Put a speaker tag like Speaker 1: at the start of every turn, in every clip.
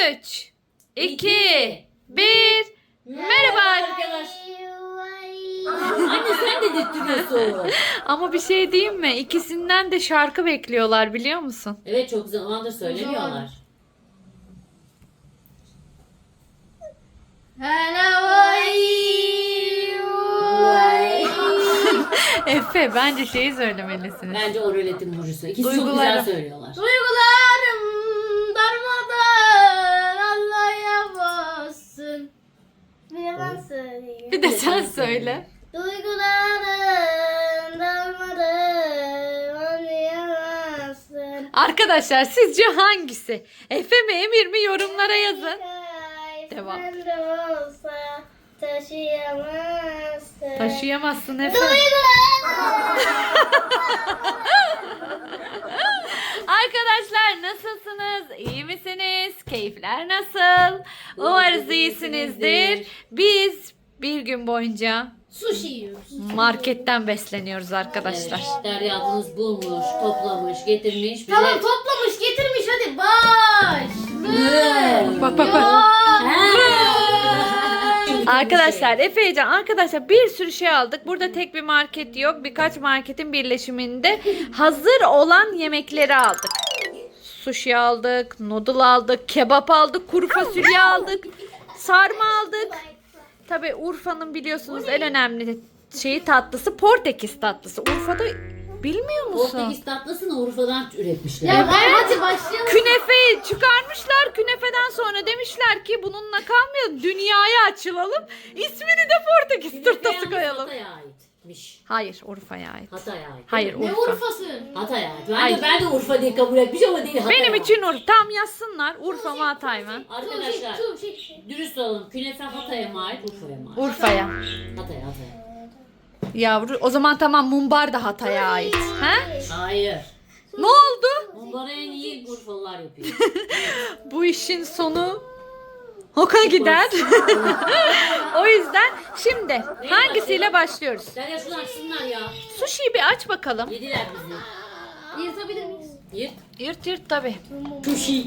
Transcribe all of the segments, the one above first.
Speaker 1: 3, 2, 1. Merhaba
Speaker 2: arkadaşlar. Anne sen de dedirtiyorsun.
Speaker 1: Ama bir şey diyeyim mi? İkisinden de şarkı bekliyorlar biliyor musun?
Speaker 2: Evet çok zamandır söylemiyorlar.
Speaker 1: Efe bence şeyi söylemelisiniz.
Speaker 2: Bence o röletin vurucusu. İkisi çok
Speaker 1: Duygularım.
Speaker 2: güzel söylüyorlar.
Speaker 3: Duygularım darmadan anlayamazsın. Bir de ben söyleyeyim.
Speaker 1: Bir de sen söyle.
Speaker 3: Duygularım darmadan anlayamazsın.
Speaker 1: Arkadaşlar sizce hangisi? Efe mi Emir mi yorumlara yazın. Devam.
Speaker 3: Sen de olsa taşıyamazsın.
Speaker 1: Taşıyamazsın Efe. Arkadaşlar nasılsınız? İyi misiniz? Keyifler nasıl? Umarız iyisinizdir. Biz bir gün boyunca
Speaker 3: Sushi yiyoruz.
Speaker 1: marketten besleniyoruz arkadaşlar.
Speaker 2: Evet, Derya ablanız bulmuş, toplamış, getirmiş. bize-
Speaker 3: Tamam toplamış getirmiş hadi baş.
Speaker 1: Bak bak bak. Arkadaşlar Efecan arkadaşlar bir sürü şey aldık. Burada tek bir market yok. Birkaç marketin birleşiminde hazır olan yemekleri aldık. Sushi aldık, noodle aldık, kebap aldık, kuru fasulye aldık, sarma aldık. Tabii Urfa'nın biliyorsunuz en önemli şeyi tatlısı Portekiz tatlısı. Urfa'da bilmiyor musun?
Speaker 2: Portekiz tatlısını Urfa'dan üretmişler.
Speaker 3: Ya hadi başlayalım.
Speaker 1: Künefeyi çıkarmışlar. Künefeden sonra demişler ki bununla kalmayalım. Dünyaya açılalım. İsmini de Portekiz turtası koyalım.
Speaker 2: Hatay'a aitmiş.
Speaker 1: Hayır Urfa'ya ait.
Speaker 2: Hatay'a ait.
Speaker 1: Hayır
Speaker 3: Ne
Speaker 1: Urfa.
Speaker 3: Urfa'sı?
Speaker 2: Hatay'a ait.
Speaker 1: Hayır.
Speaker 2: Ben de Urfa diye kabul etmiş ama değil Hatay'a
Speaker 1: Benim
Speaker 2: ait.
Speaker 1: için Urfa. Tam yazsınlar. Urfa mı Hatay mı?
Speaker 2: Arkadaşlar dürüst olalım. Künefe Hatay'a mı ait, Urfa'ya mı ait?
Speaker 1: Urfa'ya.
Speaker 2: Hatay'a.
Speaker 1: Yavru o zaman tamam mumbar da Hatay'a ait. He?
Speaker 2: Hayır.
Speaker 1: Ne oldu?
Speaker 2: Onları en iyi Urfalılar yapıyor.
Speaker 1: Bu işin sonu hoka gider. O yüzden şimdi hangisiyle başlıyoruz?
Speaker 2: Derya şunu açsınlar ya.
Speaker 1: Sushi'yi bir aç bakalım.
Speaker 2: Yediler bizi.
Speaker 3: Yırtabilir miyiz?
Speaker 2: Yırt.
Speaker 1: Yırt yırt tabii.
Speaker 2: Sushi.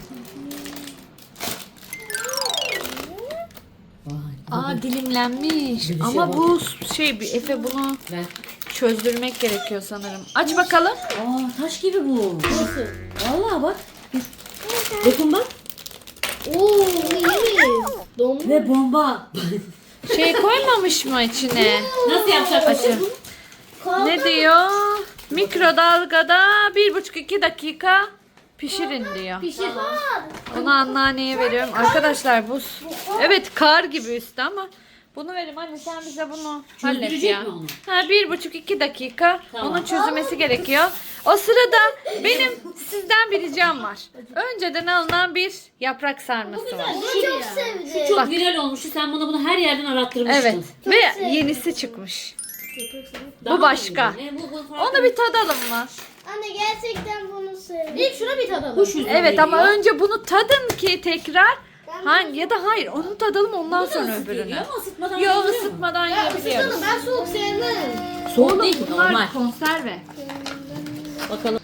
Speaker 2: Vay.
Speaker 1: Dilimlenmiş.
Speaker 2: Bir şey
Speaker 1: Ama
Speaker 2: var.
Speaker 1: bu Efe bunu
Speaker 2: Ver.
Speaker 1: çözdürmek gerekiyor sanırım. Aç bakalım.
Speaker 2: Taş gibi bu.
Speaker 3: Nasıl?
Speaker 2: Vallahi bak. Dokun bak.
Speaker 3: Oo iyi. Donmuş.
Speaker 2: Ve bomba.
Speaker 1: Şey koymamış mı içine?
Speaker 2: Nasıl yapacak
Speaker 1: Açın. Ne diyor? Mikrodalgada 1,5-2 dakika pişirin diyor.
Speaker 3: Pişir.
Speaker 1: Onu anneanneye veriyorum. Arkadaşlar bu evet kar gibi üstü ama bunu verim anne sen bize bunu hallet
Speaker 2: Çözdürecek
Speaker 1: ya.
Speaker 2: mi onu?
Speaker 1: Ha 1,5-2 dakika
Speaker 2: Tamam.
Speaker 1: onun çözülmesi gerekiyor. O sırada benim sizden bir ricam var. Önceden alınan bir yaprak sarması var.
Speaker 3: Bunu çok sevdim.
Speaker 2: Çok
Speaker 1: Bak.
Speaker 2: viral olmuştu. Sen bana bunu her yerden arattırmıştın.
Speaker 1: Evet ve yenisi çıkmış.
Speaker 2: Daha
Speaker 1: bu başka.
Speaker 2: mı iyi? Bu farklı.
Speaker 1: Onu bir tadalım mı?
Speaker 3: Anne gerçekten bunu sevdim. İlk şuna bir tadalım.
Speaker 2: Kuş üzümü
Speaker 1: Evet ama
Speaker 2: geliyor.
Speaker 1: önce bunu tadın ki tekrar ya da hayır onu tadalım ondan sonra
Speaker 2: Nasıl
Speaker 1: öbürünü.
Speaker 2: geliyor ama ısıtmadan
Speaker 1: Yok
Speaker 2: yeniliyor mu?
Speaker 1: ısıtmadan
Speaker 3: Ya
Speaker 1: yiyebiliyoruz.
Speaker 3: ısıtalım ben soğuk sevmem.
Speaker 2: Soğuk değil ki normal.
Speaker 1: Bunlar konserve.
Speaker 2: Bakalım.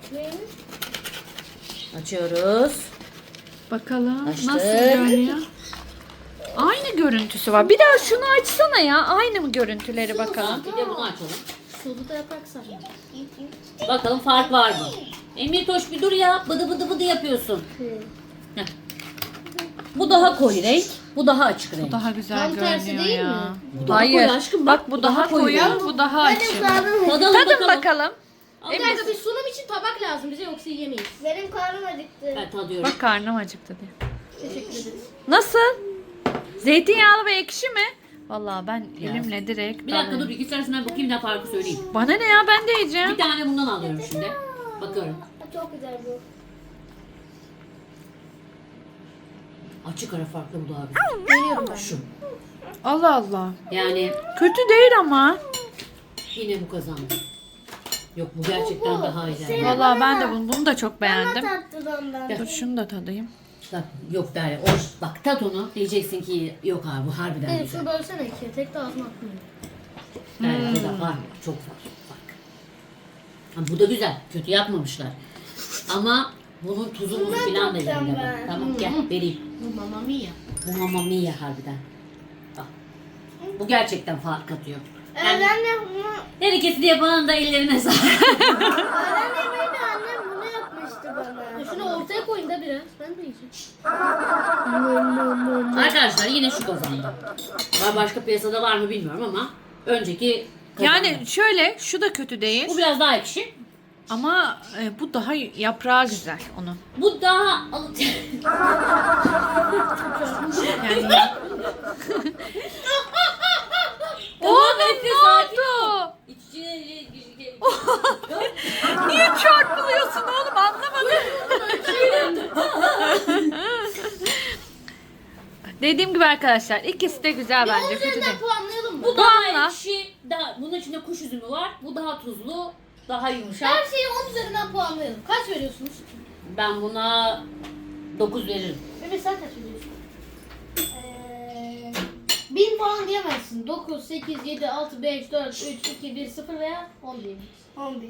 Speaker 2: Açıyoruz.
Speaker 1: Bakalım
Speaker 2: Açtık.
Speaker 1: nasıl görünüyor. Aynı görüntüsü var. Bir daha şunu açsana ya. Aynı mı görüntüleri bakalım.
Speaker 2: Bir de bunu açalım.
Speaker 3: Sulu da yaprak sarma.
Speaker 2: Bakalım fark var mı? Emir Toş bir dur ya. Bıdı bıdı bıdı yapıyorsun. Heh. Bu daha koyu renk. Bu daha açık renk.
Speaker 1: Daha güzel
Speaker 3: Tam tersi
Speaker 1: görünüyor
Speaker 3: değil
Speaker 1: ya.
Speaker 3: mi?
Speaker 2: Bu daha
Speaker 1: Hayır.
Speaker 2: koyu aşkım,
Speaker 1: bak bu daha koyu,
Speaker 2: renk.
Speaker 1: bu daha açık.
Speaker 2: Tadalım
Speaker 1: Tadın bakalım.
Speaker 3: Bir dakika bir sunum için tabak lazım bize yoksa yiyemeyiz. Benim karnım acıktı.
Speaker 2: Ben tadıyorum.
Speaker 1: Bak karnım acıktı diye.
Speaker 3: Teşekkür ederiz.
Speaker 1: Nasıl? Zeytinyağlı ve ekşi mi? Vallahi ben elimle direkt
Speaker 2: Bir dakika dur.
Speaker 1: dalıyorum.
Speaker 2: İki tanesinden bakayım ne farkı söyleyeyim.
Speaker 1: Bana ne ya ben de yiyeceğim.
Speaker 2: Bir tane bundan alıyorum şimdi. Bakıyorum.
Speaker 3: Çok güzel bu.
Speaker 2: Açık ara farklı bu daha güzel.
Speaker 3: Görüyorum ben.
Speaker 2: Şu.
Speaker 1: Allah Allah.
Speaker 2: Yani
Speaker 1: Kötü değil ama.
Speaker 2: yine bu kazandı. Yok bu gerçekten daha iyi.
Speaker 1: Vallahi ben de bunu da çok beğendim.
Speaker 3: Tatlıdan ben.
Speaker 1: Dur şunu da tadayım.
Speaker 2: Bak, yok Derya. Bak tat onu. Diyeceksin ki yok abi bu harbiden
Speaker 3: Evet
Speaker 2: güzel.
Speaker 3: şunu bölsene ki tek de ağzıma atmayayım.
Speaker 2: Derya bu da var. Çok farklı. Bak. Ha, bu da güzel. Kötü yapmamışlar. Ama Bunun tuzu muzu falan da yerinde bak. Tamam gel vereyim.
Speaker 3: Bu Mamma Mia.
Speaker 2: Bu Mamma Mia harbiden. Bak. Bu gerçekten fark atıyor. Yani
Speaker 4: Annem bunu,
Speaker 2: her ikisi de yapanın da ellerine sağlık.
Speaker 4: anneannem bunu yapmıştı bana.
Speaker 3: Şunu ortaya koyun da biraz. Ben de yiyeceğim.
Speaker 2: Arkadaşlar yine şu kazandı. Başka piyasada var mı bilmiyorum ama önceki kazandı.
Speaker 1: Yani şöyle şu da kötü değil.
Speaker 2: Bu biraz daha ekşi.
Speaker 1: Ama bu daha yaprağı güzel onun.
Speaker 2: Bu daha
Speaker 1: Yani
Speaker 2: Oğlum Efe sakin ol.
Speaker 1: oldu?
Speaker 2: İçine
Speaker 1: Niye çarpılıyorsun oğlum anlamadım. Dediğim gibi arkadaşlar ikisi de güzel bence kötü değil.
Speaker 3: Üzerinden puanlayalım mı?
Speaker 2: Bu daha
Speaker 1: Puanla.
Speaker 2: ekşi. Bunun içinde kuş üzümü var. Bu daha tuzlu. Daha yumuşak.
Speaker 3: Her şeyi 10 üzerinden puanlayalım. Kaç veriyorsunuz?
Speaker 2: Ben buna 9 veririm.
Speaker 3: Bebe sen kaç veriyorsun? 1000 puan diyemezsin. 9, 8, 7, 6, 5, 4, 3, 2, 1, 0 veya 10 diyebiliriz.
Speaker 4: 11.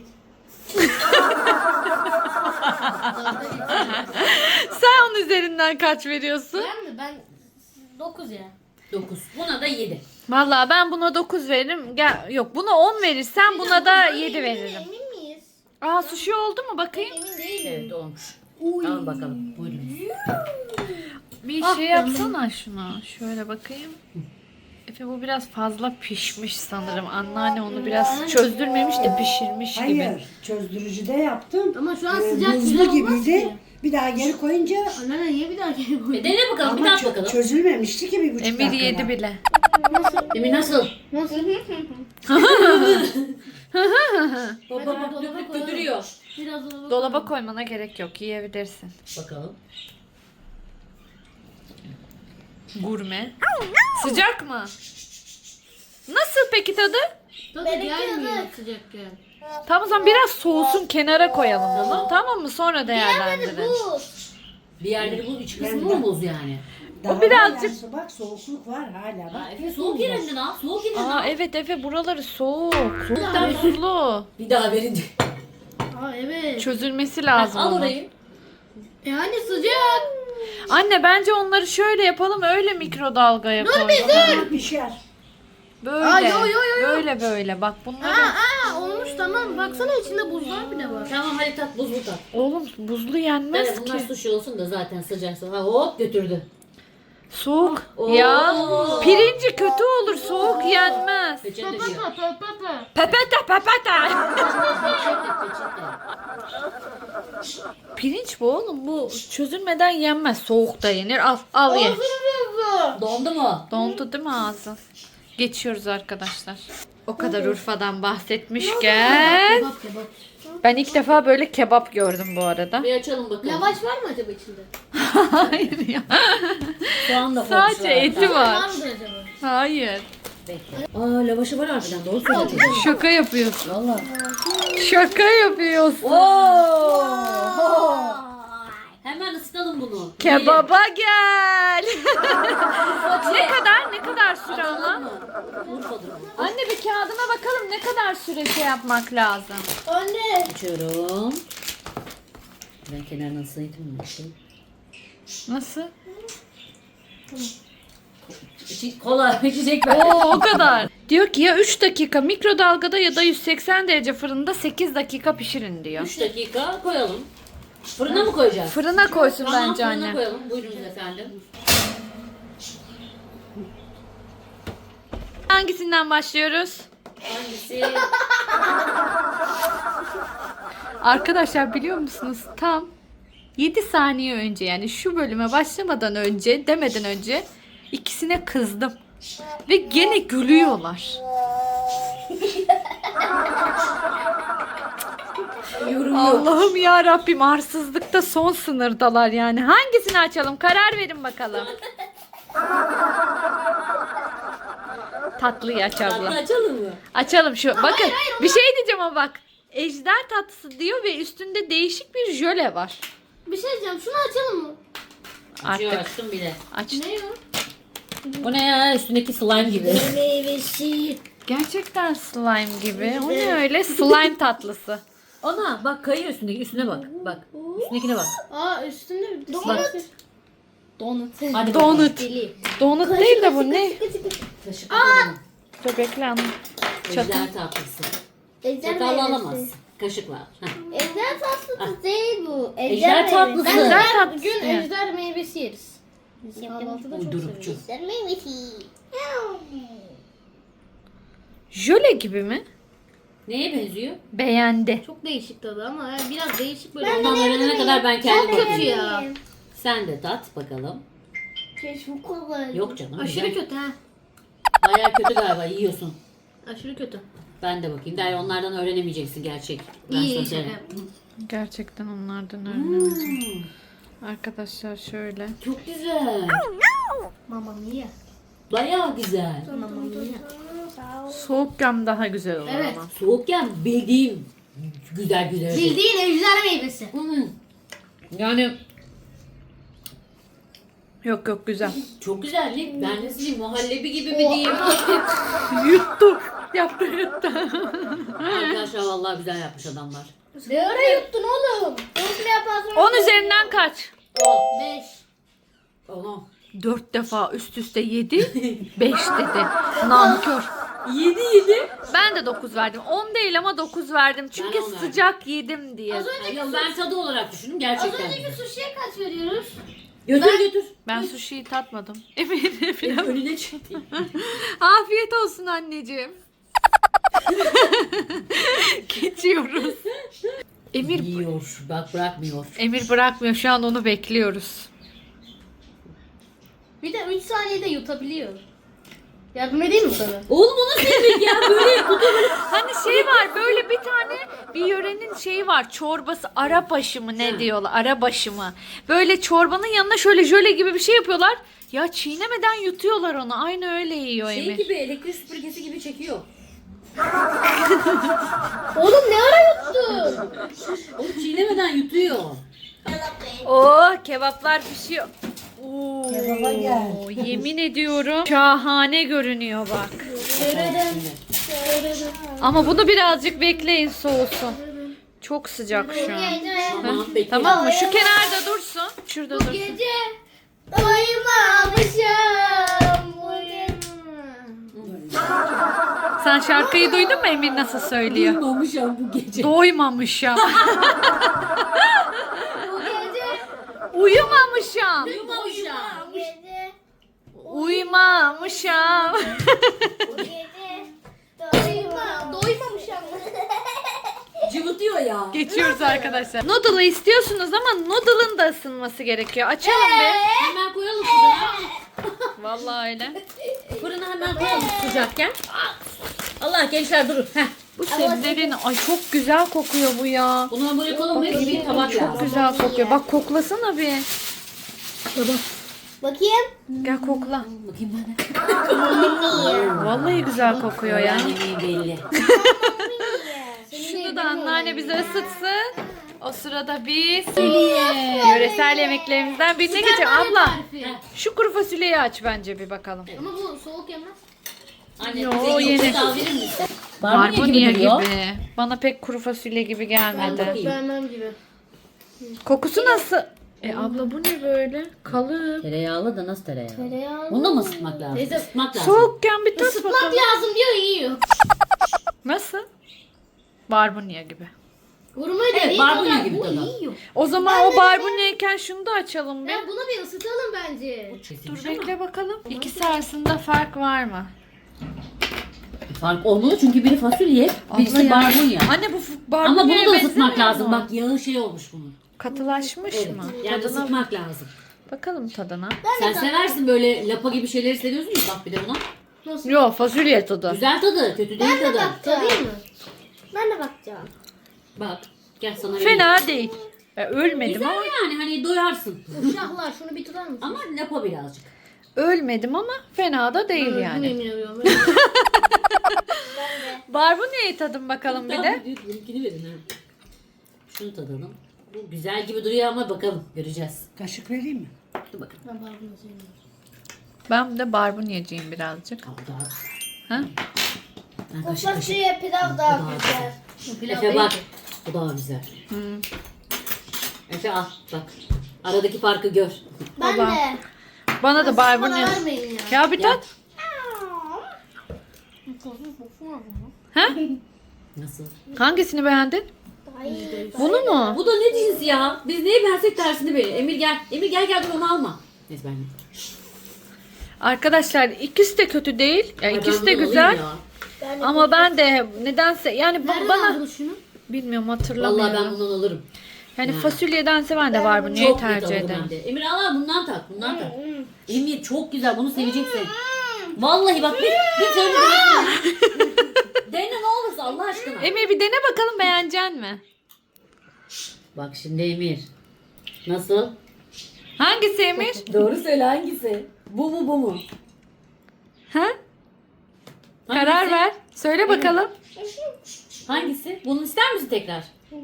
Speaker 1: Sen onun üzerinden kaç veriyorsun?
Speaker 3: Ben mi? Ben 9 ya.
Speaker 2: 9. Buna da 7.
Speaker 1: Vallahi ben buna 9 veririm. Yok buna 10 verirsen buna da 7 veririm.
Speaker 3: Emin miyiz?
Speaker 1: Aa sushi oldu mu bakayım?
Speaker 3: Emin değilim.
Speaker 2: Evet olmuş. Al bakalım. Buyurun.
Speaker 1: Bir şey yapsana şuna. Şöyle bakayım. Efe bu biraz fazla pişmiş sanırım. Anneanne onu biraz çözdürmemiş de pişirmiş gibi.
Speaker 5: Hayır, çözdürücüde yaptım.
Speaker 3: Ama şu an sıcak
Speaker 5: Buzlu
Speaker 3: güzel olmaz
Speaker 5: gibiydi.
Speaker 3: ki.
Speaker 5: Bir daha geri koyunca
Speaker 3: Anneanne niye bir daha geri koydun?
Speaker 2: Dene bakalım. Bir
Speaker 5: ama
Speaker 2: tat bakalım.
Speaker 5: çözülmemişti ki 1,5
Speaker 1: Emir
Speaker 5: dakikada.
Speaker 1: yedi bile.
Speaker 2: Emin nasıl?
Speaker 3: Nasıl?
Speaker 2: Baba bak
Speaker 3: dolaba
Speaker 2: döküp
Speaker 3: koyalım.
Speaker 2: götürüyor.
Speaker 3: Biraz dolaba
Speaker 1: Dolaba koymana gerek yok. Yiyebilirsin.
Speaker 2: Bakalım.
Speaker 1: Gurme. Sıcak mı? Nasıl peki tadı?
Speaker 3: Tadı
Speaker 4: Benimki
Speaker 3: gelmiyor
Speaker 4: de-
Speaker 3: sıcakken.
Speaker 1: Tamam o zaman biraz soğusun kenara koyalım onu. Tamam mı? Sonra değerlendirelim.
Speaker 4: Bu.
Speaker 2: Bir yerleri bu iç kısmı mı buz yani?
Speaker 5: Daha
Speaker 1: birazcık-
Speaker 5: var yani, bak soğukluk var hala.
Speaker 2: Ha,
Speaker 5: Bak,
Speaker 2: Efe soğuk yerinden al. Soğuk yerinden
Speaker 1: Aa
Speaker 2: al.
Speaker 1: evet Efe buraları soğuk. Soğuktan tuzlu.
Speaker 2: Bir daha verin.
Speaker 3: Aa evet.
Speaker 1: Çözülmesi lazım
Speaker 2: Al
Speaker 1: onun.
Speaker 2: orayı.
Speaker 3: Yani sıcak.
Speaker 1: Anne bence onları şöyle yapalım öyle mikrodalgaya koyalım.
Speaker 5: Tamam, pişer.
Speaker 1: Böyle.
Speaker 3: Aa, yo, yo, yo, yo.
Speaker 1: Böyle böyle bak bunları.
Speaker 3: Olmuş tamam. Baksana içinde buzlar bile var.
Speaker 2: Tamam hadi tat buzlu tat.
Speaker 1: Oğlum buzlu yenmez
Speaker 2: Evet bunlar
Speaker 1: ki.
Speaker 2: sushi olsun da zaten sıcaksa. Ha hop götürdü.
Speaker 1: Soğuk.
Speaker 2: Oo.
Speaker 1: Ya pirinci kötü olur soğuk yenmez.
Speaker 2: Peçete diyor.
Speaker 1: Pepete pepete.
Speaker 2: Peçete.
Speaker 1: Pirinç bu oğlum bu çözülmeden yenmez. Soğukta yenir. Al ye.
Speaker 2: Dondu mu?
Speaker 1: Dondu değil mi ağzın? Geçiyoruz arkadaşlar. O kadar Urfa'dan bahsetmişken
Speaker 3: Kebap kebap.
Speaker 1: ben ilk defa böyle kebap gördüm bu arada.
Speaker 2: Bir açalım bakalım.
Speaker 3: Lavaş var mı acaba içinde?
Speaker 1: Hayır ya.
Speaker 2: Soğan da
Speaker 1: Sadece
Speaker 2: koymuşlar.
Speaker 1: eti
Speaker 3: Var
Speaker 1: var.
Speaker 3: mıdır acaba?
Speaker 1: Hayır.
Speaker 2: Bekle. Aa lavaşı var harbiden doğru söylüyorsun.
Speaker 1: Şaka yapıyorsun.
Speaker 2: Valla.
Speaker 1: Şaka yapıyorsun.
Speaker 2: Hemen ısıtalım bunu.
Speaker 1: Kebaba gel. ne kadar süre ama?
Speaker 2: Urfa'dır.
Speaker 1: Anne bir kağıdına bakalım ne kadar süre şey yapmak lazım.
Speaker 4: Anne.
Speaker 2: Açıyorum. Ben kenarına ısıtayım mı?
Speaker 1: Nasıl?
Speaker 2: Kola içecek ben.
Speaker 1: Oo o kadar. Diyor ki ya 3 dakika mikrodalgada ya da 180 derece fırında 8 dakika pişirin diyor.
Speaker 2: 3 dakika koyalım. Fırına mı koyacağız?
Speaker 1: Fırına koysun
Speaker 2: Tamam
Speaker 1: bence
Speaker 2: fırına
Speaker 1: anne.
Speaker 2: koyalım. Buyurunuz efendim.
Speaker 1: Hangisinden başlıyoruz?
Speaker 2: Hangisi?
Speaker 1: Arkadaşlar biliyor musunuz tam 7 saniye önce yani şu bölüme başlamadan önce demeden önce ikisine kızdım. Ve gene gülüyorlar. Allah'ım ya Rabbim arsızlıkta son sınırdalar yani. Hangisini açalım? Karar verin bakalım. Tatlıyı aç abla.
Speaker 2: Açalım mı?
Speaker 1: Açalım şu. Bakın bir şey diyeceğim ama bak. Ejder tatlısı diyor ve üstünde değişik bir jöle var.
Speaker 3: Bir şey diyeceğim. Şunu açalım mı?
Speaker 2: Açıyor
Speaker 1: Artık
Speaker 2: açtım bile.
Speaker 1: aç.
Speaker 3: Ne ya?
Speaker 2: Bu ne ya? Üstündeki slime gibi.
Speaker 4: Meyvesi.
Speaker 1: Gerçekten slime gibi. O ne öyle? Slime tatlısı.
Speaker 2: Ana bak kayıyor üstündeki. Üstüne bak. Bak. Üstündekine bak.
Speaker 3: Aa üstünde
Speaker 2: Bak.
Speaker 3: Donut.
Speaker 2: Hadi bakalım.
Speaker 1: Donut.
Speaker 3: Deli.
Speaker 1: Donut değil de bu ne?
Speaker 2: Kaşık atalım.
Speaker 1: Dur bekle anne.
Speaker 2: Ejder tatlısı.
Speaker 4: Ejder
Speaker 2: Çatalla
Speaker 4: meyvesi.
Speaker 2: alamazsın. Kaşıkla. Heh.
Speaker 4: Ejder tatlısı değil bu.
Speaker 2: Ejder tatlısı.
Speaker 3: Ben
Speaker 1: Ejder
Speaker 3: her
Speaker 1: tatlısı
Speaker 3: gün
Speaker 1: ya.
Speaker 3: ejder meyvesi yeriz. Biz kahvaltıda çok
Speaker 2: Uydurukçu.
Speaker 3: seviyoruz.
Speaker 4: Ejder meyvesi.
Speaker 1: Jöle gibi mi?
Speaker 2: Neye benziyor?
Speaker 1: Beğendi.
Speaker 3: Çok değişik tadı ama yani biraz değişik böyle.
Speaker 2: Ondan öğrenene kadar ben kendim
Speaker 3: Çok kötü
Speaker 2: bakayım.
Speaker 3: ya.
Speaker 2: Sen de tat bakalım.
Speaker 4: Keşke kolay.
Speaker 2: Yok canım.
Speaker 3: Aşırı
Speaker 2: güzel.
Speaker 3: kötü ha.
Speaker 2: Bayağı kötü galiba yiyorsun.
Speaker 3: Aşırı kötü.
Speaker 2: Ben de bakayım. Der onlardan öğrenemeyeceksin gerçek. Ben
Speaker 3: İyi
Speaker 2: sana
Speaker 3: şaka
Speaker 2: söyleyeyim.
Speaker 3: yaptım.
Speaker 1: Gerçekten onlardan öğrenemeyeceğim. Arkadaşlar şöyle.
Speaker 2: Çok güzel.
Speaker 3: Mamma mia.
Speaker 2: Bayağı güzel.
Speaker 3: Mamma mia.
Speaker 1: Soğukken daha güzel olur
Speaker 3: Evet.
Speaker 1: ama.
Speaker 2: Soğukken bildiğim güzel güzel.
Speaker 3: Bildiğin ejder meyvesi.
Speaker 2: Yani
Speaker 1: Yok yok güzel.
Speaker 2: çok güzel değil mi? Ben nasıl diyeyim? Muhallebi gibi mi diyeyim?
Speaker 1: Yuttu. Yaptı yuttu.
Speaker 2: Arkadaşlar vallahi güzel yapmış adamlar.
Speaker 3: Ne ara yuttun oğlum?
Speaker 4: Nasıl yaparsın?
Speaker 1: 10 üzerinden kaç?
Speaker 3: 5.
Speaker 2: Oha.
Speaker 1: 4 defa üst üste yedi. 5 dedi. Nankör.
Speaker 2: 7.
Speaker 1: Ben de 9 verdim. 10 değil ama 9 verdim. Çünkü
Speaker 2: Ben 10 verdim.
Speaker 1: sıcak yedim diye.
Speaker 2: Yok ben tadı olarak düşündüm
Speaker 3: Az
Speaker 2: gerçekten.
Speaker 3: önceki sushi'ye kaç veriyoruz?
Speaker 2: Götür götür.
Speaker 1: Ben sushi'yi tatmadım. Eminim falan.
Speaker 2: Önüne çıktı.
Speaker 1: Afiyet olsun anneciğim. Geçiyoruz. Emir
Speaker 2: Yiyor. Bak bırakmıyor.
Speaker 1: Emir bırakmıyor. Şu an onu bekliyoruz.
Speaker 3: Bir de 3 saniyede yutabiliyor. Yardım edeyim mi sana?
Speaker 2: Oğlum o nasıl yemek ya? Böyle
Speaker 1: Hani şey var böyle bir tane bir yörenin şeyi var çorbası arabaşı mı ne diyorlar arabaşı mı böyle çorbanın yanına şöyle jöle gibi bir şey yapıyorlar ya çiğnemeden yutuyorlar onu aynı öyle yiyor
Speaker 2: şey
Speaker 1: Emir.
Speaker 2: gibi elektrik süpürgesi gibi çekiyor.
Speaker 3: Oğlum ne ara yuttun?
Speaker 2: Oğlum çiğnemeden yutuyor.
Speaker 1: Oo kebaplar pişiyor. Oo,
Speaker 5: Kebaba gel.
Speaker 1: yemin ediyorum şahane görünüyor bak.
Speaker 2: Şimdi.
Speaker 1: Ama bunu birazcık bekleyin soğusun. Çok sıcak şu an.
Speaker 2: Tamam bekle.
Speaker 1: Tamam mı? Şu kenarda dursun. Şurada dursun.
Speaker 3: Gece
Speaker 4: Doymamışım.
Speaker 1: Sen şarkıyı duydun mu Emir nasıl söylüyor?
Speaker 2: Duymamışım bu gece.
Speaker 1: Doymamışım.
Speaker 3: bu gece
Speaker 1: Uyumamışım.
Speaker 2: Duymamışım.
Speaker 4: Gece.
Speaker 1: Uyumamışım.
Speaker 4: Gece.
Speaker 3: doymamışım.
Speaker 2: Cıvıtıyor ya.
Speaker 1: Geçiyoruz arkadaşlar. Noodle'ı istiyorsunuz ama noodle'ın da ısınması gerekiyor. Açalım bir.
Speaker 2: Hemen koyalım fırına.
Speaker 1: Vallahi öyle.
Speaker 2: Fırına hemen koyalım sıcakken. Allah gençler durun. Heh.
Speaker 1: Bu sebzelerin ay çok güzel kokuyor bu ya.
Speaker 2: Bunu böyle koyalım. Bir tabak
Speaker 1: Çok
Speaker 2: lazım.
Speaker 1: güzel kokuyor. Bak koklasana bir.
Speaker 4: Bakayım.
Speaker 1: Gel kokla.
Speaker 2: Bakayım ben de.
Speaker 1: Vallahi güzel kokuyor ya.
Speaker 2: Yani belli.
Speaker 1: Şunu da anneanne bize ısıtsın. O sırada biz yöresel yemeklerimizden birine geçelim. Abla şu kuru fasulyeyi aç bence bir bakalım.
Speaker 3: Ama bu soğuk yemez.
Speaker 2: Anne
Speaker 1: Yo,
Speaker 2: bize
Speaker 1: yeni.
Speaker 2: yeni. Daha verir misin?
Speaker 1: Barbunya
Speaker 2: duruyor.
Speaker 1: gibi. Bana pek kuru fasulye gibi gelmedi.
Speaker 2: bakayım.
Speaker 3: Vermem gibi.
Speaker 1: Kokusu nasıl? Abla bu ne böyle? Kalıp.
Speaker 2: Tereyağlı da nasıl tereyağı?
Speaker 4: Tereyağı.
Speaker 2: Bunu da mı ısıtmak lazım?
Speaker 3: Teyze,
Speaker 2: Isıtmak lazım.
Speaker 1: Soğukken bir tat
Speaker 3: Isıtmak
Speaker 1: bakalım.
Speaker 3: lazım diyor yiyor.
Speaker 1: Nasıl? Barbunya gibi.
Speaker 3: Vurma
Speaker 2: Evet,
Speaker 3: dediği
Speaker 2: barbunya
Speaker 3: kadar
Speaker 2: gibi
Speaker 3: bu
Speaker 2: tadı.
Speaker 3: yiyor.
Speaker 1: O zaman o barbunyayken şunu da açalım bir.
Speaker 3: Ya bunu bir ısıtalım bence.
Speaker 1: Dur bekle bakalım. İkisi arasında fark var mı?
Speaker 2: Fark olmalı çünkü biri fasulye, birisi
Speaker 1: Abla ya.
Speaker 2: barbunya.
Speaker 1: Anne bu barbunyaya
Speaker 2: Ama bunu da ısıtmak
Speaker 1: benzemiyor
Speaker 2: lazım.
Speaker 1: mu?
Speaker 2: Bak yağı şey olmuş bunun.
Speaker 1: Katılaşmış mı?
Speaker 2: Yani
Speaker 1: Tadına
Speaker 2: ısıtmak lazım.
Speaker 1: bakalım tadına.
Speaker 2: Sen seversin böyle lapa gibi şeyleri seviyorsun ya bak bir de buna.
Speaker 1: Yo fasulye tadı.
Speaker 2: Güzel tadı, kötü değil tadı.
Speaker 3: Tadayım mı?
Speaker 4: Ben de bakacağım.
Speaker 2: Bak gel sana vereyim.
Speaker 1: Fena değil. Ölmedim
Speaker 2: Güzel
Speaker 1: ama
Speaker 2: yani hani doyarsın.
Speaker 3: Uşaklar şunu bir tutar mısın?
Speaker 2: Ama lapa birazcık.
Speaker 1: ölmedim ama fena da değil yani.
Speaker 3: Yemin ediyorum.
Speaker 1: Barbunya'yı tadın bakalım bir de.
Speaker 2: Benimkini verin ha. Şunu tadalım. Bu güzel gibi duruyor ama bakalım göreceğiz.
Speaker 5: Kaşık vereyim mi?
Speaker 2: Dur bakalım.
Speaker 3: Ben barbunya sevmiyorum.
Speaker 1: Ben de barbunyacıyım birazcık.
Speaker 2: Al daha.
Speaker 1: Ha?
Speaker 2: Ha, kaşık kaşık.
Speaker 4: Fasulye pilav daha güzel.
Speaker 3: Pilav
Speaker 2: Efe
Speaker 3: değil
Speaker 2: bak.
Speaker 3: ki.
Speaker 2: Bu daha güzel. Efe al bak. Aradaki farkı gör.
Speaker 4: Ben
Speaker 1: Baba.
Speaker 4: de.
Speaker 1: Bana da
Speaker 3: Bana
Speaker 1: barbunya.
Speaker 3: vermeyin ya.
Speaker 1: Ya bir
Speaker 2: Ya.
Speaker 1: tat. Ha?
Speaker 2: Nasıl?
Speaker 1: Hangisini beğendin?
Speaker 4: Ay.
Speaker 1: Bunu mu?
Speaker 2: Bu da ne cins ya? Biz neyi versek tersini verir. Emir gel. Emir gel dur onu alma. Neyse ben yiyeyim.
Speaker 1: Arkadaşlar ikisi de kötü değil. Ya
Speaker 2: Ay,
Speaker 1: ikisi
Speaker 2: ben
Speaker 1: de
Speaker 2: bunu
Speaker 1: güzel.
Speaker 2: alayım ya.
Speaker 4: Ben de
Speaker 1: Ama ben de nedense yani
Speaker 3: Nereden
Speaker 1: bana
Speaker 3: aldın şunu?
Speaker 1: bilmiyorum
Speaker 2: Vallahi
Speaker 1: hatırlamıyorum.
Speaker 2: ben bundan alırım.
Speaker 1: Yani
Speaker 2: Ha.
Speaker 1: fasulyedense ben de barbunyayı
Speaker 2: Çok net
Speaker 1: tercih
Speaker 2: alırım
Speaker 1: ederim.
Speaker 2: ben de. Emir al bundan tak. Bundan tak. Emir çok güzel. Bunu seveceksin. Vallahi bak bir tane dene ne olursa Allah aşkına.
Speaker 1: Emir bir dene bakalım beğenecek mi?
Speaker 2: Bak şimdi Emir. Nasıl?
Speaker 1: Hangisi Emir?
Speaker 2: Doğru söyle hangisi? Bu mu bu mu?
Speaker 1: Ha? Karar
Speaker 2: Hangisi?
Speaker 1: ver. Söyle bakalım.
Speaker 2: Hangisi? Bunu ister misin tekrar?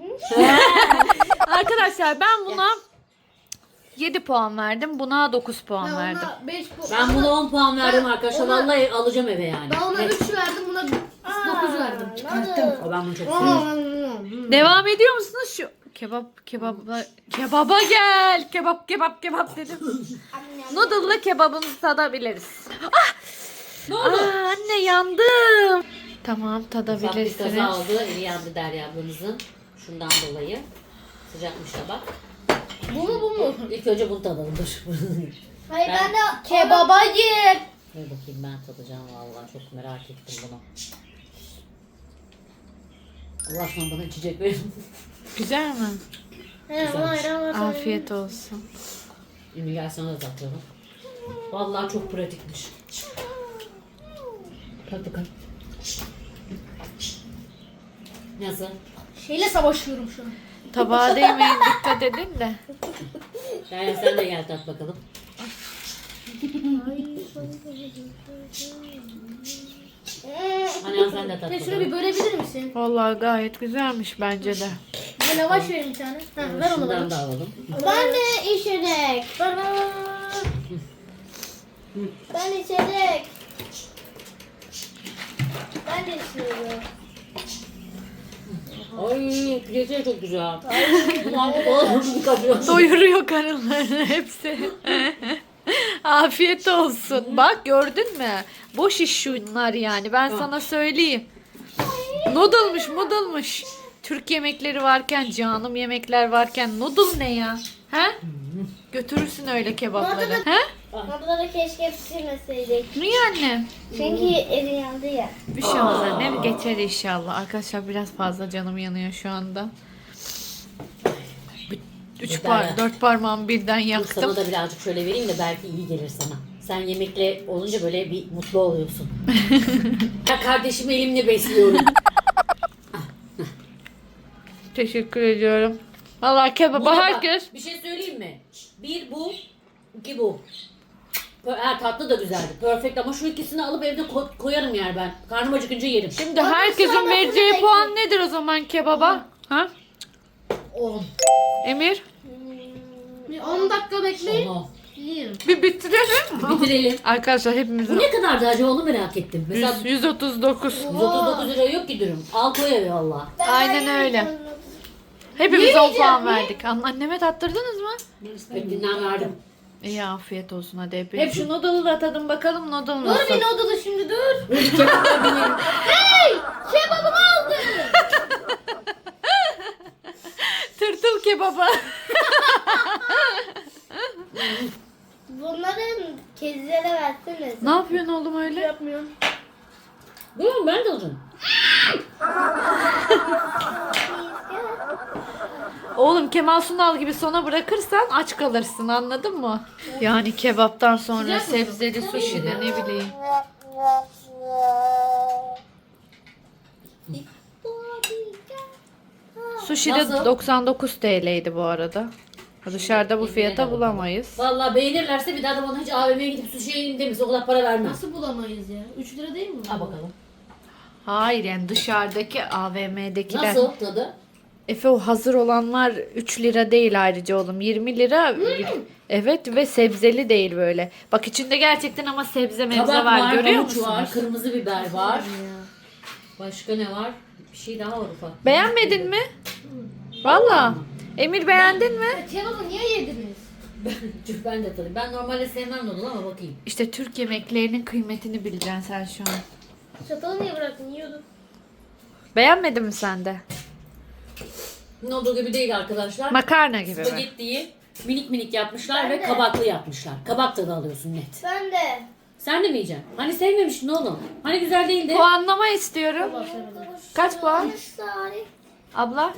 Speaker 1: Arkadaşlar ben buna 7 puan verdim. Buna 9 puan
Speaker 3: Ben
Speaker 1: verdim.
Speaker 3: ona 5
Speaker 2: Ben buna 10 puan verdim
Speaker 3: Ben
Speaker 2: arkadaşlar.
Speaker 3: ona-
Speaker 2: Vallahi alacağım eve yani.
Speaker 3: Ben ona
Speaker 2: Evet.
Speaker 3: 3 verdim, buna 9 verdim.
Speaker 2: O ben bunu çok seviyorum.
Speaker 1: Devam ediyor musunuz şu kebaba gel. Kebap dedim. Noodle'la kebabımızı tadabiliriz.
Speaker 2: Ne
Speaker 1: Aa,
Speaker 2: oldu?
Speaker 1: anne yandım. Tamam
Speaker 2: Ufak bir
Speaker 1: tadabilirsiniz.
Speaker 2: kaza oldu. Eli yandı Derya ablamızın. Şundan dolayı. Sıcakmış tabak.
Speaker 3: Bu mu bu mu?
Speaker 2: İlk önce bunu tadalım. Dur.
Speaker 4: Hayır
Speaker 2: Ben-
Speaker 4: ben de
Speaker 3: Kebaba gir.
Speaker 2: Dur bakayım ben tadacağım vallahi. Çok merak ettim bunu. Allah aşkına bana içecek verin.
Speaker 1: Güzel mi?
Speaker 2: Güzelmiş.
Speaker 1: Afiyet olsun.
Speaker 2: Şimdi gel sana da tatıyorum. Vallahi çok pratikmiş. Tat bakalım. Nasıl?
Speaker 3: Şeyle savaşıyorum şu an.
Speaker 1: Tabağa değmeyin dikkat edin de.
Speaker 2: Yani sen de gel tat bakalım. Hani sen de tat
Speaker 3: Şunu bir
Speaker 2: bakalım.
Speaker 3: bölebilir misin?
Speaker 1: Vallahi gayet güzelmiş bence de.
Speaker 3: Bir lavaş verin bir tane. Ha, ver onu bana.
Speaker 2: Şundan da alalım.
Speaker 4: Ben de içecek.
Speaker 3: Ver ver ver.
Speaker 4: Ben içecek. Ben de içiyorum.
Speaker 2: Ay pidesi çok güzel. Bunu kapıyor.
Speaker 1: Doyuruyor karınlarını hepsi. Afiyet olsun. Bak gördün mü? Boş iş şunlar yani. Ben sana söyleyeyim. Noodle'mış. Türk yemekleri varken, canım yemekler varken noodle ne ya? He? Götürürsün öyle kebapları. He?
Speaker 4: Abla keşke pişirmeseydik.
Speaker 1: Niye anne?
Speaker 4: Çünkü eli yandı ya.
Speaker 1: Bir şey olmaz annem. Geçer inşallah. Arkadaşlar biraz fazla canım yanıyor şu anda. 4 parmağımı birden
Speaker 2: Dur,
Speaker 1: yaktım.
Speaker 2: sana da birazcık şöyle vereyim de belki iyi gelir sana. Sen yemekle olunca böyle bir mutlu oluyorsun. Ya kardeşimi elimle besliyorum.
Speaker 1: Teşekkür ediyorum. Vallahi kebaba
Speaker 2: Buna bak,
Speaker 1: herkes
Speaker 2: bir şey söyleyeyim mi? Bir bu, iki bu. Tatlı da güzeldi. Perfect ama şu ikisini alıp evde koyarım yer ben. Karnım acıkınca yerim.
Speaker 1: Şimdi herkesin vereceği puan nedir o zaman kebaba? Ha?
Speaker 2: 10.
Speaker 1: Emir?
Speaker 3: Bir 10 dakika bekleyin.
Speaker 2: Onu.
Speaker 3: Yiyin.
Speaker 1: Bir bitirelim.
Speaker 2: Bitirelim.
Speaker 1: Arkadaşlar hepimizin
Speaker 2: Bu ne kadardı acaba onu merak ettim. Mesela
Speaker 1: 139.
Speaker 2: 139 lira yok ki dürüm. Al koy eve valla.
Speaker 1: Aynen öyle. Hepimiz 10 puan verdik. Anneme tattırdınız mı?
Speaker 2: Etinden verdim.
Speaker 1: İyi afiyet olsun hadi hep. Hep şu noodle'ı da tadın bakalım noodle
Speaker 3: Dur
Speaker 1: nasıl?
Speaker 3: bir noodle'ı şimdi dur.
Speaker 4: Kebabımı aldı.
Speaker 1: Tırtıl kebaba.
Speaker 4: Bunların kedilere versene.
Speaker 1: Ne yapıyorsun oğlum öyle?
Speaker 3: Yapmıyorum.
Speaker 2: Buyurun ben de alacağım.
Speaker 1: Oğlum Kemal Sunal gibi sona bırakırsan aç kalırsın anladın mı? Yani kebaptan sonra sebzeli sushi de ne bileyim. Sushi de
Speaker 2: Nasıl?
Speaker 1: 99 TL'ydi bu arada. Dışarıda bu fiyata bulamayız.
Speaker 2: Valla beğenirlerse bir daha da bana hiç AVM'ye gidip sushi yiyeyim demesin. O kadar para vermez.
Speaker 3: Nasıl bulamayız ya? 3 lira değil mi?
Speaker 2: Al bakalım.
Speaker 1: Hayır yani dışarıdaki AVM'dekiler.
Speaker 2: Nasıl tadı?
Speaker 1: Efe o hazır olanlar 3 lira değil ayrıca oğlum. 20 lira. Evet ve sebzeli değil böyle. Bak içinde gerçekten ama sebze mevze
Speaker 2: Kabak
Speaker 1: var, görüyor
Speaker 2: havuç
Speaker 1: musunuz?
Speaker 2: var, kırmızı biber var. Başka ne var? Bir şey daha var ufak.
Speaker 1: Beğenmedin mi? Valla. Emir beğendin mi?
Speaker 3: Kebabı niye yediniz?
Speaker 2: Ben de tabii. Ben normalde sevmem noodle ama bakayım.
Speaker 1: İşte Türk yemeklerinin kıymetini bileceksin sen şu an.
Speaker 3: Çatalı niye bıraktın? Yiyordun.
Speaker 1: Beğenmedin mi sen de?
Speaker 2: Noodle gibi değil arkadaşlar.
Speaker 1: Makarna gibi mi?
Speaker 2: Spagettiyi minik minik yapmışlar
Speaker 4: Ben
Speaker 2: ve
Speaker 4: de.
Speaker 2: kabaklı yapmışlar. Kabak tadı alıyorsun net.
Speaker 4: Ben de.
Speaker 2: Sen de mi yiyeceksin? Hani sevmemiştin oğlum. Hani güzel değildi.
Speaker 1: Puanlama istiyorum. Kaç puan?
Speaker 4: Sarı.
Speaker 1: Abla?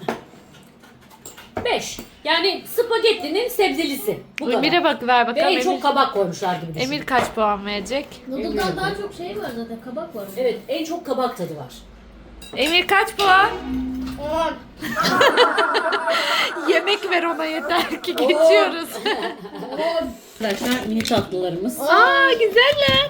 Speaker 2: 5. Yani spagettinin sebzelisi. Bu kadar.
Speaker 1: Emir'e bak ver
Speaker 2: Ve
Speaker 1: bakalım.
Speaker 2: en
Speaker 1: Emir,
Speaker 2: çok kabak koymuşlar gibi düşün.
Speaker 1: Emir kaç puan verecek?
Speaker 3: Noodle'dan daha çok şey var zaten. Kabak var.
Speaker 2: Evet, en çok kabak tadı var.
Speaker 1: Emir kaç puan?
Speaker 4: 10.
Speaker 1: Yemek ver ona yeter ki geçiyoruz.
Speaker 2: Arkadaşlar mini tatlılarımız.
Speaker 1: Aa güzeller.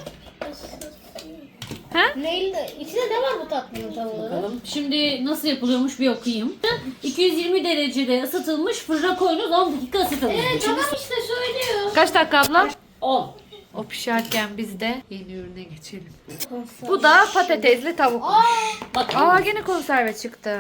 Speaker 1: Ha?
Speaker 3: Neyle? İçinde ne var bu tatlının tam olarak?
Speaker 2: Bakalım. Şimdi nasıl yapılıyormuş bir okuyayım. 220 derecede ısıtılmış fırına koyunuz 10 dakika ısıtılmış.
Speaker 3: Tamam işte söylüyor.
Speaker 1: Kaç dakika abla?
Speaker 2: 10.
Speaker 1: O pişerken biz de yeni ürüne geçelim. Bu da patatesli tavukmuş.
Speaker 2: Bak.
Speaker 1: Aa gene konserve çıktı.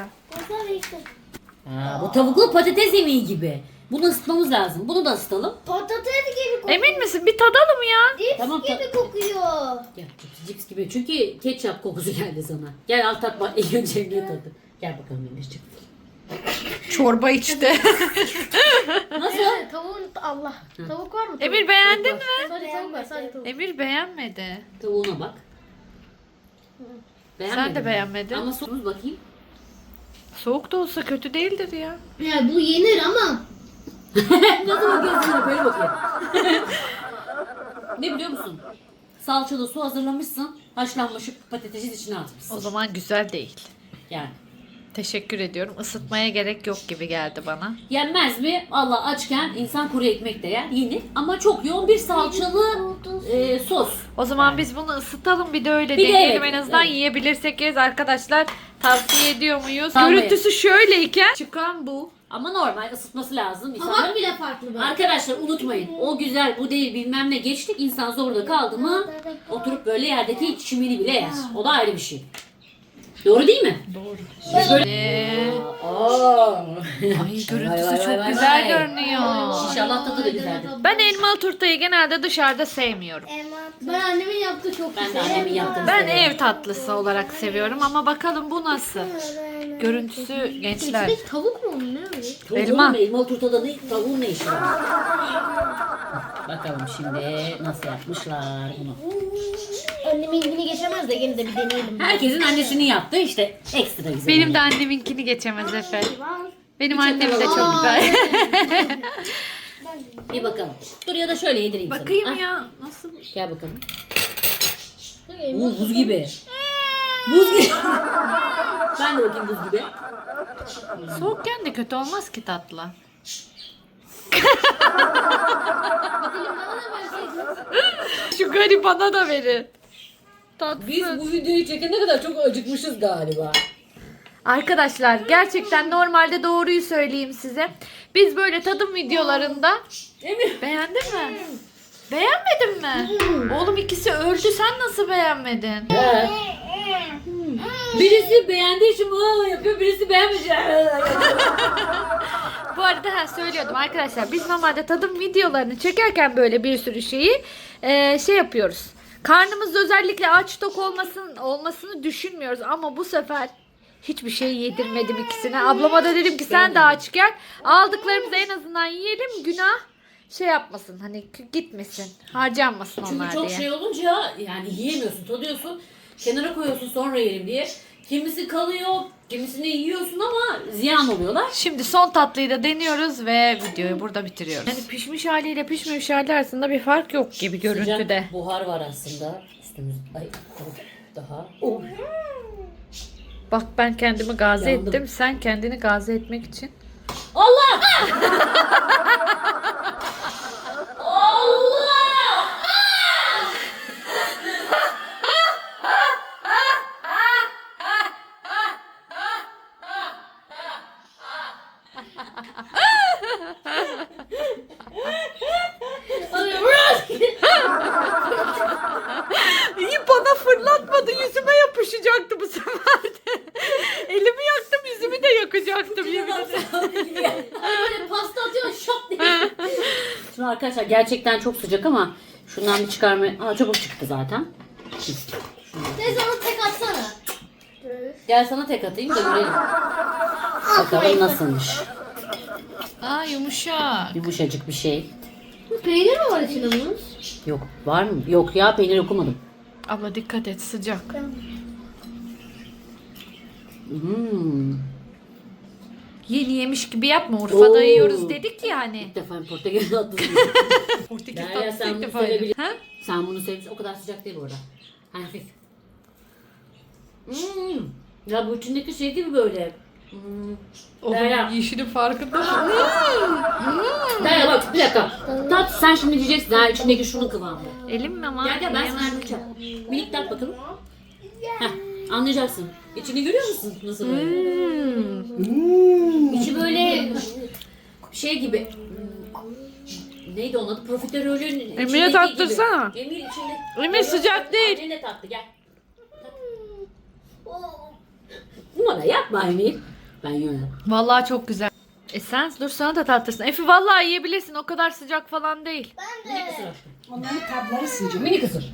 Speaker 2: Bu tavuklu patates yemeği gibi. Bunu ısıtmamız lazım. Bunu da ısıtalım.
Speaker 4: Patates gibi kokuyor.
Speaker 1: Emin misin? Bir tadalım ya.
Speaker 4: Cips
Speaker 2: Tamam,
Speaker 4: gibi kokuyor.
Speaker 2: Gel cips gibi. Çünkü ketçap kokusu geldi sana. Gel al tat bak. İlk önce Emre tadı. Gel bakalım Emir'ciğim.
Speaker 1: Çorba içti.
Speaker 2: Nasıl?
Speaker 3: Tavuğun Allah. Tavuk var mı?
Speaker 1: Emir beğendin mi?
Speaker 3: Sadece tavuk var. Sadece tavuk.
Speaker 1: Emir beğenmedi.
Speaker 2: Tavuğuna bak.
Speaker 1: Sen de beğenmedin.
Speaker 2: Ama sos bakayım.
Speaker 1: Soğuk da olsa kötü değildir ya.
Speaker 3: Ya bu yenir ama.
Speaker 2: Nasıl bakıyorsun? Böyle bakayım. Ne biliyor musun? Salçalı su hazırlamışsın. Haşlanmış patatesin içine atmışsın.
Speaker 1: O zaman güzel değil.
Speaker 2: Yani.
Speaker 1: Teşekkür ediyorum. Isıtmaya gerek yok gibi geldi bana.
Speaker 2: Yenmez mi? Allah açken insan kuru ekmek de yer. Yenir. Ama çok yoğun bir salçalı sos.
Speaker 1: O zaman biz bunu ısıtalım bir de öyle
Speaker 2: Bir de
Speaker 1: deneyelim.
Speaker 2: evet,
Speaker 1: En azından
Speaker 2: evet.
Speaker 1: yiyebilirsek yeriz arkadaşlar. Tavsiye ediyor muyuz?
Speaker 2: Tabii.
Speaker 1: Görüntüsü şöyleyken çıkan bu.
Speaker 2: Ama normal ısıtması lazım. İnsanlar...
Speaker 3: Tabak bile farklı böyle.
Speaker 2: Arkadaşlar unutmayın. O güzel bu değil bilmem ne geçtik. İnsan zorda kaldı mı oturup böyle yerdeki çimini bile yer. O da ayrı bir şey. Doğru değil mi?
Speaker 1: Ay görüntüsü çok güzel görünüyor.
Speaker 2: İnşallah tadı da güzeldir.
Speaker 1: Ben elmalı turtayı genelde dışarıda sevmiyorum.
Speaker 3: Ben annemin yaptığı çok
Speaker 2: Ben de
Speaker 3: güzel.
Speaker 2: annemin yaptığını
Speaker 1: Ben
Speaker 2: severim.
Speaker 1: ev tatlısı olarak seviyorum ama bakalım bu nasıl? Görüntüsü gençler.
Speaker 3: İçindeki tavuk mu onun ne öyle?
Speaker 2: Tavuğun
Speaker 1: Elma.
Speaker 2: mu? Elmalı turtada ne, tavuğun ne işi var? Bakalım şimdi nasıl yapmışlar bunu.
Speaker 3: Anneminkini geçemez de gene de bir deneyelim.
Speaker 2: Herkesin annesinin yaptığı işte ekstra güzel.
Speaker 1: Benim de anneminkini geçemez Efe. Benim annem de çok
Speaker 2: Aa,
Speaker 1: güzel.
Speaker 2: Bir bakalım. Dur ya da şöyle yedireyim sana.
Speaker 1: Bakayım
Speaker 2: Ah,
Speaker 1: ya. Nasıl?
Speaker 2: Gel bakalım. Buz gibi. Buz gibi. Ben de bakayım buz gibi.
Speaker 1: Soğukken de kötü olmaz ki tatlı. Şu garibana da verin. Tatsız.
Speaker 2: Biz bu videoyu çekene kadar çok acıkmışız galiba.
Speaker 1: Arkadaşlar gerçekten normalde doğruyu söyleyeyim size. Biz böyle tadım videolarında
Speaker 2: Emir.
Speaker 1: beğendin mi? Beğenmedin mi? Oğlum ikisi öldü sen nasıl beğenmedin?
Speaker 2: He. Birisi beğendiği için yapıyor, birisi beğenmeyecek.
Speaker 1: Bu arada söylüyordum arkadaşlar biz normalde tadım videolarını çekerken böyle bir sürü şeyi şey yapıyoruz. Karnımızda özellikle aç tok olmasını düşünmüyoruz ama bu sefer hiçbir şey yedirmedim ikisine. Ablama da dedim ki sen de aç gel. Aldıklarımızı en azından yiyelim günah şey yapmasın hani gitmesin harcanmasın
Speaker 2: Çünkü
Speaker 1: onlar
Speaker 2: çok
Speaker 1: diye.
Speaker 2: şey olunca yani yiyemiyorsun, tadıyorsun, kenara koyuyorsun sonra yerim diye. Kimisi kalıyor, kimisini yiyorsun ama ziyan oluyorlar.
Speaker 1: Şimdi son tatlıyı da deniyoruz ve videoyu burada bitiriyoruz. Yani pişmiş haliyle pişmemiş hali arasında bir fark yok gibi görüntüde.
Speaker 2: Sıcak buhar var aslında. Üstümüz daha. Oh.
Speaker 1: Bak ben kendimi gazi
Speaker 2: Yandım.
Speaker 1: ettim. Sen kendini gazi etmek için.
Speaker 2: Allah! Allah!
Speaker 1: İyi bana fırlatmadı. Yüzüme yapışacaktı bu sefer de. Elimi yaktım yüzümü de yakacaktım yemin ederim.
Speaker 3: Böyle
Speaker 2: Arkadaşlar gerçekten çok sıcak ama şundan bir çıkarma. Aa, çabuk çıktı zaten.
Speaker 3: Teyze onu tek atsana.
Speaker 2: Gel sana tek atayım da görelim. Bakalım nasılmış.
Speaker 1: Aa yumuşak.
Speaker 2: Yumuşacık bir şey.
Speaker 3: Peynir mi var içinde bunun?
Speaker 2: Yok. Var mı? Yok ya, peynir okumadım.
Speaker 1: Abla dikkat et, sıcak. Yeni yemiş gibi yapma. Urfa'da
Speaker 2: Oo.
Speaker 1: yiyoruz dedik ya hani.
Speaker 2: İlk defa Portekiz tatlısı.
Speaker 1: Portekiz
Speaker 2: Derya,
Speaker 1: tatlısı
Speaker 2: sen
Speaker 1: ilk
Speaker 2: bunu
Speaker 1: defa yedim.
Speaker 2: sevebilirsin.
Speaker 1: Ha?
Speaker 2: Sen bunu sevmişsin. O kadar sıcak değil bu arada. Hafif. Ya bu içindeki şey gibi böyle. Derya.
Speaker 1: Yeşilin farkında mısın?
Speaker 2: Derya bak bir dakika. Tat, sen şimdi diyeceksin. Ha, içindeki şunun kıvamı.
Speaker 1: Elim mi ama?
Speaker 2: Gel ben sana yardımcı yapacağım. Minik tat bakalım. Heh, anlayacaksın. İçini görüyor musun? Nasıl böyle? İçi böyle şey gibi. Neydi onun adı? Profiterolün içindeki
Speaker 1: tattırsana.
Speaker 2: gibi. Emir içinde.
Speaker 1: Emir, sıcak değil.
Speaker 2: Annen de tattı gel. Numara yapma Emir. Ben yiyorum.
Speaker 1: Vallahi çok güzel. Sen dur, sana da tatlırsın. Efe vallahi yiyebilirsin. O kadar sıcak falan değil.
Speaker 2: Minik ısır.
Speaker 5: Onların tatları sıcak.
Speaker 2: Minik ısır.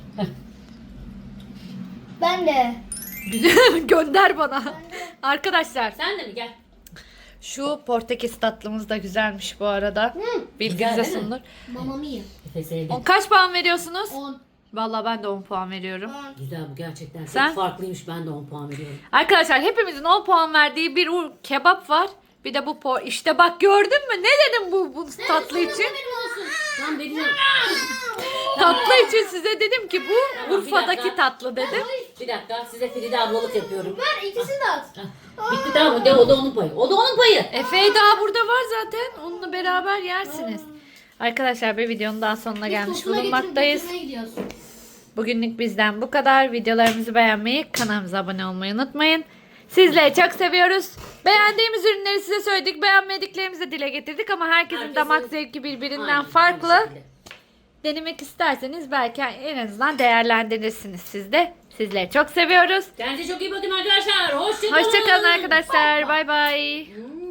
Speaker 4: Ben de.
Speaker 1: Gönder bana. Arkadaşlar
Speaker 2: Sen de mi gel?
Speaker 1: şu Portekiz tatlımız da güzelmiş bu arada. Bilginize
Speaker 2: Güzel değil mi?
Speaker 1: sunulur.
Speaker 3: Mamma mia.
Speaker 2: Efe sevdi.
Speaker 1: Kaç puan veriyorsunuz?
Speaker 3: 10.
Speaker 1: Vallahi ben de 10 puan veriyorum.
Speaker 2: Güzel bu gerçekten.
Speaker 1: Sen?
Speaker 2: Çok farklıymış. Ben de 10 puan veriyorum.
Speaker 1: Arkadaşlar hepimizin 10 puan verdiği bir kebap var. Bir de bu işte bak, gördün mü? Ne dedim bu tatlı için?
Speaker 2: Tamam vereceğim.
Speaker 1: Tatlı için size dedim ki bu
Speaker 2: Tamam, bir
Speaker 1: Urfa'daki
Speaker 2: dakika.
Speaker 1: tatlı dedim.
Speaker 2: Bir dakika, size Feride ablalık yapıyorum.
Speaker 3: Ver ikisini de at.
Speaker 2: Bitti tamam mı? De, o da onun payı. O da onun payı.
Speaker 1: Efe daha burada var zaten. Onunla beraber yersiniz. Arkadaşlar bir videonun daha sonuna gelmiş
Speaker 3: Tosuna
Speaker 1: bulunmaktayız.
Speaker 3: getirmeye gidiyoruz.
Speaker 1: Bugünlük bizden bu kadar. Videolarımızı beğenmeyi, kanalımıza abone olmayı unutmayın. Sizleri çok seviyoruz. Beğendiğimiz ürünleri size söyledik. Beğenmediklerimizi de dile getirdik ama herkesin damak zevki birbirinden
Speaker 2: Aynen,
Speaker 1: farklı.
Speaker 2: aynı şekilde.
Speaker 1: Denemek isterseniz belki en azından değerlendirirsiniz siz de. Sizleri çok seviyoruz.
Speaker 2: Kendinize çok iyi bakın arkadaşlar. Hoşçakalın.
Speaker 1: Hoşçakalın arkadaşlar. Bay bay.
Speaker 2: Hmm.